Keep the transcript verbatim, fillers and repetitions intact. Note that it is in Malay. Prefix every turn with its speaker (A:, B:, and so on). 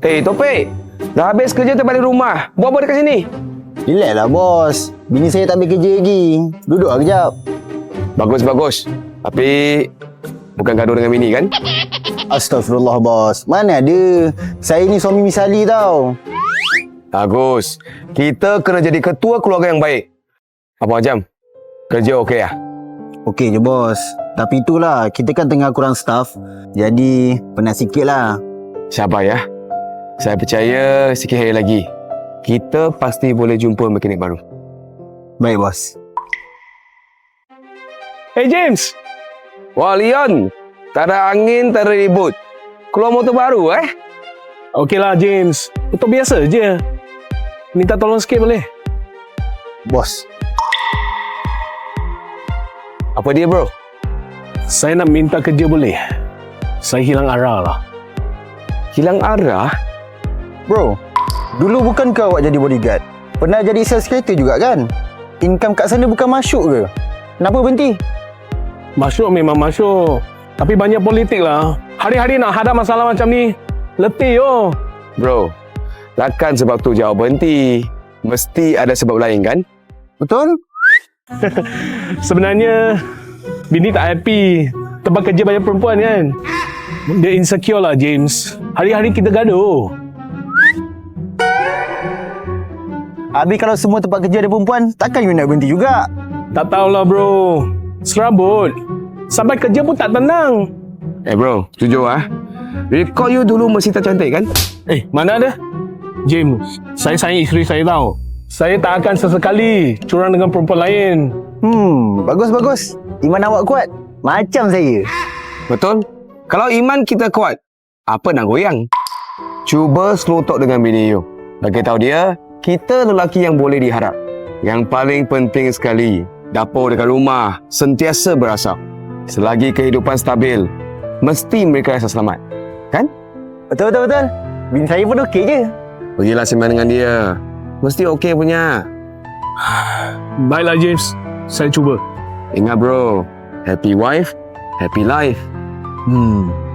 A: Eh, Topik. Dah habis kerja terbalik rumah. Buat apa dekat sini?
B: Relax lah bos. Bini saya tak ambil kerja lagi. Duduk lah kejap.
A: Bagus, bagus. Tapi bukan gaduh dengan bini kan?
B: Astagfirullah bos. Mana ada. Saya ni suami misali tau.
A: Bagus. Kita kena jadi ketua keluarga yang baik. Abang Ajam, kerja okey lah?
B: Okey je bos. Tapi itulah, kita kan tengah kurang staff. Jadi penat sikit lah.
A: Sabar ya. Saya percaya sikit hari lagi kita pasti boleh jumpa mekanik baru.
B: Baik bos.
A: Hey James. Wah Leon. Tak ada angin, tak ada ribut. Keluar motor baru eh?
C: Okeylah James. Untuk biasa je. Minta tolong sikit boleh?
B: Bos.
A: Apa dia bro?
C: Saya nak minta kerja boleh? Saya hilang arah lah.
A: Hilang arah?
B: Bro, dulu bukankah awak jadi bodyguard? Pernah jadi sales kereta juga kan? Income kat sana bukan masuk ke? Kenapa berhenti?
C: Masuk memang masuk. Tapi banyak politik lah. Hari-hari nak hadap masalah macam ni. Letih yo.
A: Bro, takkan sebab tu jawab berhenti. Mesti ada sebab lain kan?
B: Betul?
C: Sebenarnya bini tak happy tempat kerja banyak perempuan kan. Dia insecure lah James. Hari-hari kita gaduh.
B: Habis kalau semua tempat kerja ada perempuan, takkan you nak berhenti juga?
C: Tak tahulah bro. Serabut. Sampai kerja pun tak tenang.
A: Eh bro, jujur ah. Rekod you dulu mesti tak cantik kan?
C: Eh, mana ada? James, saya sayang isteri saya tahu. Saya tak akan sesekali curang dengan perempuan lain.
B: Hmm, bagus-bagus. Iman awak kuat. Macam saya.
A: Betul? Kalau iman kita kuat, apa nak goyang? Cuba slow talk dengan bini you. Bagi tahu dia, kita lelaki yang boleh diharap. Yang paling penting sekali, dapur dekat rumah sentiasa berasap. Selagi kehidupan stabil, mesti mereka rasa selamat. Kan?
B: Betul-betul-betul. Bini saya pun okey je.
A: Pergilah sembang dengan dia. Mesti okey punya.
C: Baiklah James, saya cuba.
A: Ingat bro, happy wife, happy life.
B: Hmm,